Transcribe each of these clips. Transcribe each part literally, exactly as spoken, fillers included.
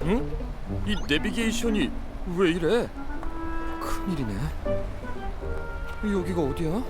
응? 이 내비게이션이 왜 이래? 큰일이네. 여기가 어디야?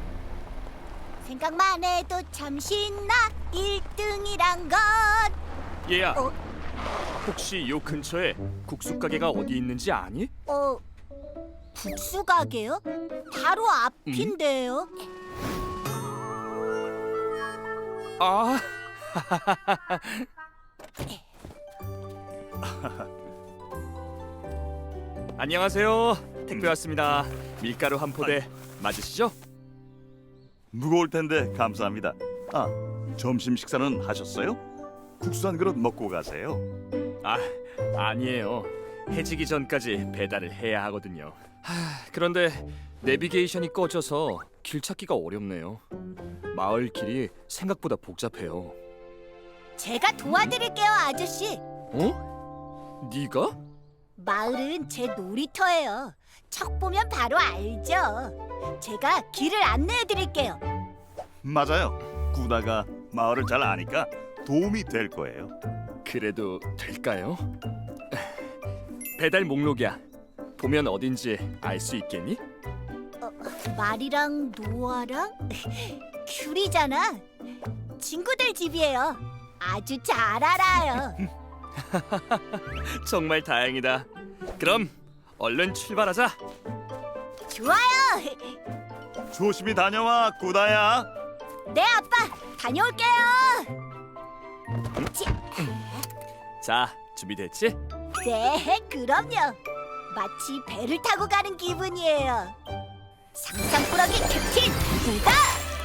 생각만 해도 참 신나 일 등이란 건. 얘야, 어? 혹시 요 근처에 국수 가게가 어디 있는지 아니? 어, 국수 가게요? 바로 앞인데요. 아, 안녕하세요. 택배 왔습니다. 밀가루 한 포대 맞으시죠? 무거울 텐데 감사합니다. 아, 점심 식사는 하셨어요? 국수 한 그릇 먹고 가세요. 아, 아니에요. 해지기 전까지 배달을 해야 하거든요. 하, 그런데 내비게이션이 꺼져서 길 찾기가 어렵네요. 마을 길이 생각보다 복잡해요. 제가 도와드릴게요, 아저씨. 어? 네가? 마을은 제 놀이터예요. 척 보면 바로 알죠. 제가 길을 안내해드릴게요. 맞아요. 구다가 마을을 잘 아니까 도움이 될 거예요. 그래도 될까요? 배달 목록이야. 보면 어딘지 알 수 있겠니? 말이랑 노아랑 귤이잖아. 친구들 집이에요. 아주 잘 알아요. 정말 다행이다. 그럼 얼른 출발하자. 좋아요. 조심히 다녀와, 구다야. 네, 아빠. 다녀올게요. 치, 자, 준비됐지? 네, 그럼요. 마치 배를 타고 가는 기분이에요. 상상꾸러기 캡틴 구다!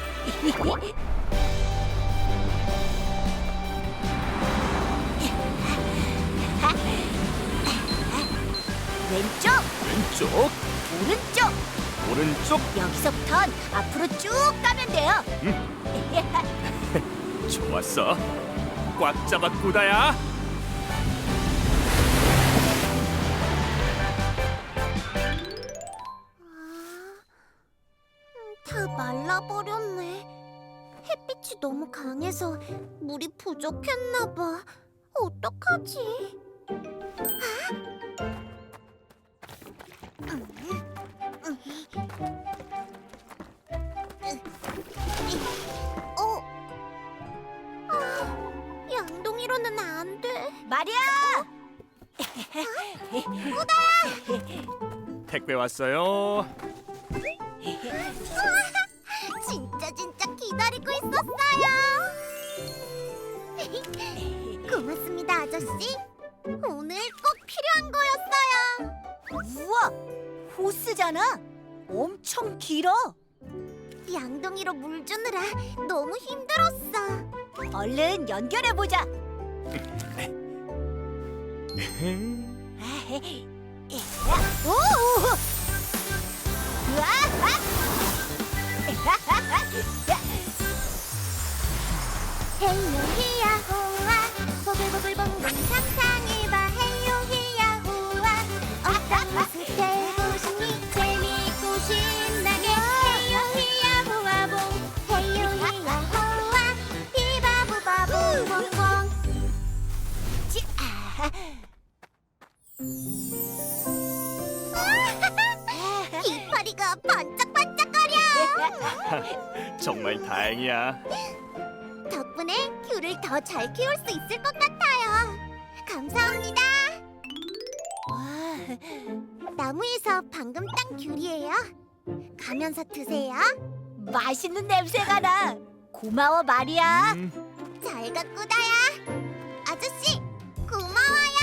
왼쪽, 왼쪽, 오른쪽. 오른쪽. 여기서부턴 앞으로 쭉 가면 돼요. 좋았어. 꽉 잡아, 구다야. 다 말라버렸네. 햇빛이 너무 강해서 물이 부족했나 봐. 어떡하지? 어? 아, 양동이로는 안 돼. 마리아! 택배 왔어요. 진짜 진짜 기다리고 있었어요. 고맙습니다, 아저씨. 오늘 꼭 필요한 거였어요. 우와, 호스잖아. 엄청 길어. 양동이로 물 주느라 너무 힘들었어. 얼른 연결해 보자. 오! 우와! 헤이요 히야호아 보글보글 봉봉 상상해봐. 헤이요 히야호아 어떤 모습 되고 싶니? 재미있고 신나게 헤이요 히야호아 봉 헤이요 히야호아 비바보바보 봉봉. 지, 아. 이파리가 반짝반짝거려. 정말 다행이야. 덕분에 귤을 더 잘 키울 수 있을 것 같아요. 감사합니다. 와, 나무에서 방금 딴 귤이에요. 가면서 드세요. 맛있는 냄새가 나. 고마워, 마리아. 음, 잘 가꾸다야. 아저씨, 고마워요.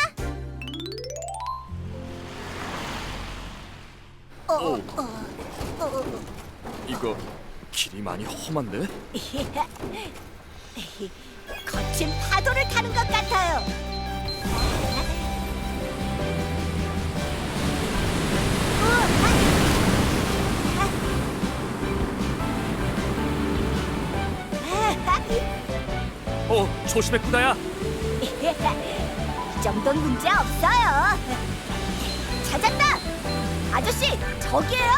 어, 오. 어, 어, 어. 이거 길이 많이 험한데? 거친 파도를 타는 것 같아요. 어, 조심해, 구다야. 이 정도는 문제 없어요. 찾았다. 아저씨, 저기에요.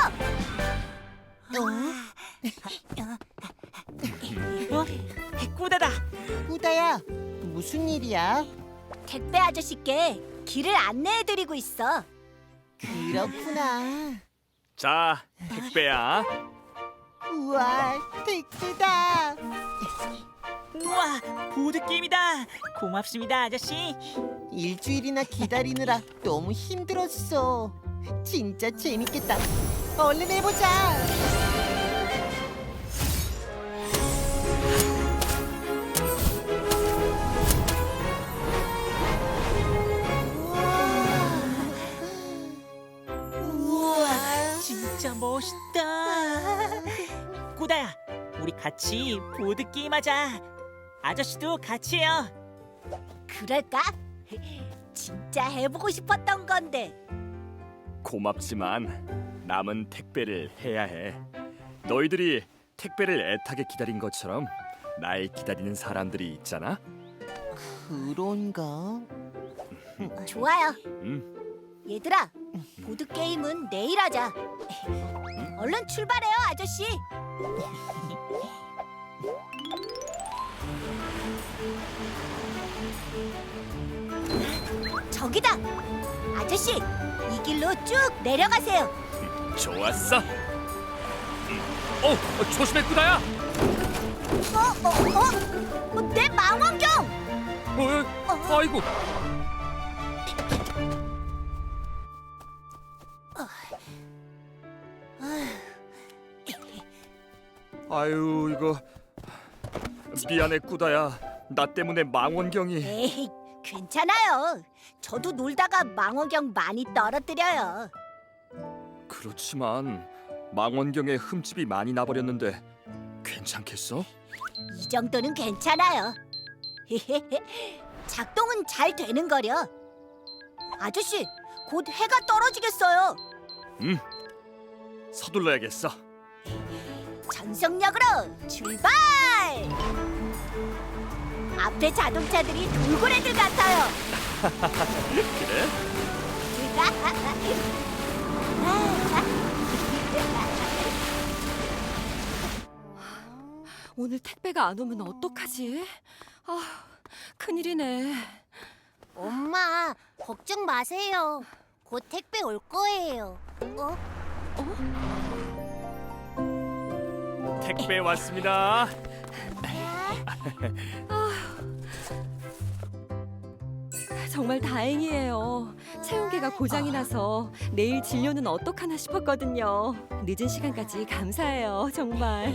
어? 꾸다다. 꾸다야, 무슨 일이야? 택배 아저씨께 길을 안내해드리고 있어. 그렇구나. 자, 택배야. 우와, 택배다. 우와, 보드게임이다. 고맙습니다, 아저씨. 일주일이나 기다리느라 너무 힘들었어. 진짜 재밌겠다. 얼른 해보자. 우와, 진짜 멋있다. 꾸다야, 우리 같이 보드게임하자. 아저씨도 같이 해요. 그럴까? 진짜 해보고 싶었던 건데. 고맙지만 남은 택배를 해야 해. 너희들이 택배를 애타게 기다린 것처럼 날 기다리는 사람들이 있잖아. 그런가? 좋아요. 음, 얘들아, 보드 게임은 내일 하자. 얼른 출발해요, 아저씨. 저기다. 아저씨, 이 길로 쭉 내려가세요. 좋았어. 음, 어, 어, 조심해 꾸다야. 어, 어, 어? 어, 내 망원경. 어, 아이고. 아유 이거 미안해 꾸다야. 나 때문에 망원경이. 에이, 괜찮아요. 저도 놀다가 망원경 많이 떨어뜨려요. 그렇지만 망원경에 흠집이 많이 나버렸는데 괜찮겠어? 이 정도는 괜찮아요. 작동은 잘 되는 거려. 아저씨, 곧 해가 떨어지겠어요. 응. 서둘러야겠어. 전속력으로 출발! 앞에 자동차들이 돌고래들 같아요. 그래? 오늘 택배가 안 오면 어떡하지? 아, 큰일이네. 엄마, 걱정 마세요. 곧 택배 올 거예요. 어? 택배 왔습니다. 정말 다행이에요. 체온계가 고장이 나서 내일 진료는 어떡하나 싶었거든요. 늦은 시간까지 감사해요, 정말.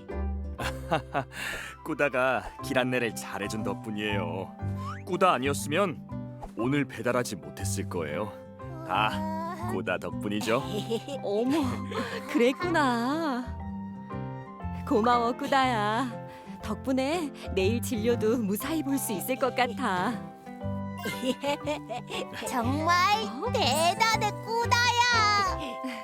꾸다가 길 안내를 잘해준 덕분이에요. 꾸다 아니었으면 오늘 배달하지 못했을 거예요. 다 꾸다 덕분이죠. 어머, 그랬구나. 고마워, 꾸다야. 덕분에 내일 진료도 무사히 볼 수 있을 것 같아. 정말 어? 대단해, 꾸다야.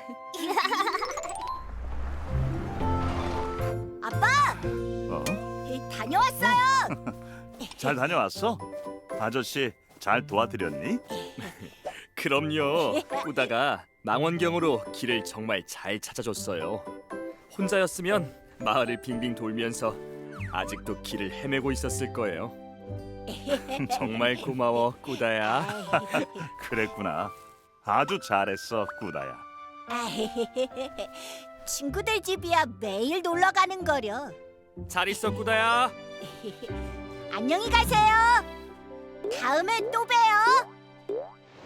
아빠, 어? 다녀왔어요. 잘 다녀왔어? 아저씨 잘 도와드렸니? 그럼요. 꾸다가 망원경으로 길을 정말 잘 찾아줬어요. 혼자였으면 마을을 빙빙 돌면서 아직도 길을 헤매고 있었을 거예요. 정말 고마워, 꾸다야. 그랬구나. 아주 잘했어, 꾸다야. 친구들 집이야 매일 놀러 가는 거려. 잘 있어, 꾸다야. 안녕히 가세요. 다음에 또 봬요.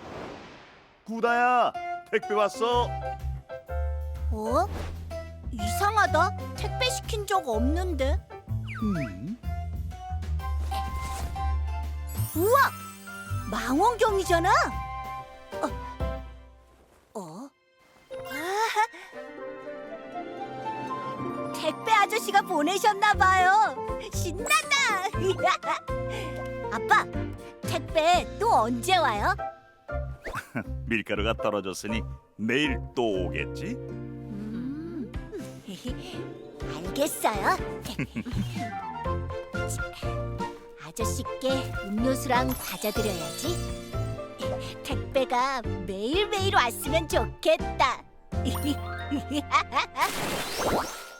꾸다야, 택배 왔어. 어? 이상하다. 택배 시킨 적 없는데. 음? 우와! 망원경이잖아. 어? 어? 아! 택배 아저씨가 보내셨나 봐요. 신난다. 아빠, 택배 또 언제 와요? 밀가루가 떨어졌으니 내일 또 오겠지? 음. 알겠어요. 아저씨께 음료수랑 과자 드려야지. 택배가 매일매일 왔으면 좋겠다.